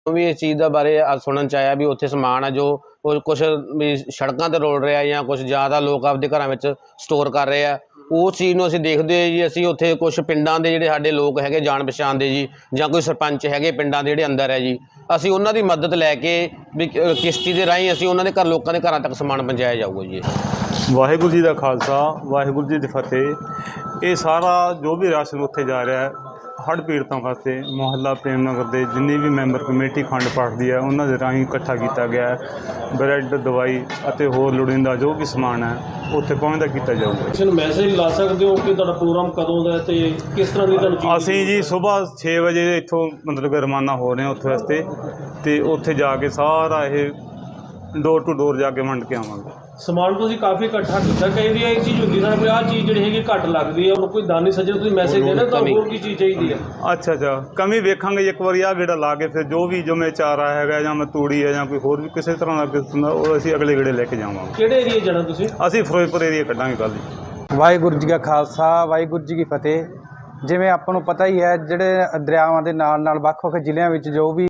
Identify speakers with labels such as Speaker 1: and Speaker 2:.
Speaker 1: भी इस चीज़ के बारे सुनन च आया भी उत्थे समान है जो कुछ भी सड़कों ते रोल रहा या कुछ ज़्यादा लोग आपदे घरां विच स्टोर कर रहे हैं। उस चीज़ नूं असीं देखदे होए जी असीं उत्थे कुछ पिंडां दे जिहड़े साडे लोग हैगे जान पछाण दे जी जां कोई सरपंच हैगे पिंडां दे जिहड़े अंदर है जी असीं उन्हां दी मदद लैके भी किश्ती दे राहीं असीं उन्हां दे घर लोकां दे घरां तक समान पहुँचाया जाऊगा जी।
Speaker 2: वाहिगुरू जी का खालसा वाहिगुरू जी की फतेह। ये सारा जो भी राशन उत्थे जा रहा है हड़ पीड़ितों वास्ते मुहल्ला प्रेम नगर के जिन्नी भी मैंबर कमेटी खंड पाठदी है उन्होंने राही इकट्ठा किया गया है। ब्रैड दवाई और होर लोड़ींदा जो भी समान है उत्थे पहुँचता किया जाऊगा।
Speaker 3: मैसेज ला सकते हो कि तुहाडा प्रोग्राम कदों दा ते किस तरह की तुहानूं
Speaker 2: असीं जी सुबह 6 बजे इत्थों मतलब कि रवाना हो रहे हैं उत्थे वास्ते तो उत्थे जाके सारा ये डोर टू डोर जाके वंड के आवांगे।
Speaker 3: समान तुसीं काफ़ी इकट्ठा किया। कई वारी एक चीज़ होंदी है भी आह चीज़ जिहड़ी हैगी घट लगदी है कोई दानी सज्जन तुसीं मैसेज देना तो होर की चीज़ चाहिए है।
Speaker 2: अच्छा अच्छा कमी वेखांगे एक बार आ गेड़ा ला के फिर जो भी जो मैं चारा है या मैं तूड़ी है या कोई होर भी किसी तरह का किस्म का वो असीं अगले गेड़े लैके जावांगे।
Speaker 3: किहड़े एरिए जाना तुसीं?
Speaker 2: असीं फिरोजपुर एरिया कड्डांगे कल जी।
Speaker 4: वाहिगुरू जी का खालसा वाहिगुरू जी की फतेह। जिवें आपां नूं पता ही है जिहड़े दरियावां दे नाल नाल ਵੱਖ-ਵੱਖ ਜ਼ਿਲ੍ਹਿਆਂ ਵਿੱਚ जो भी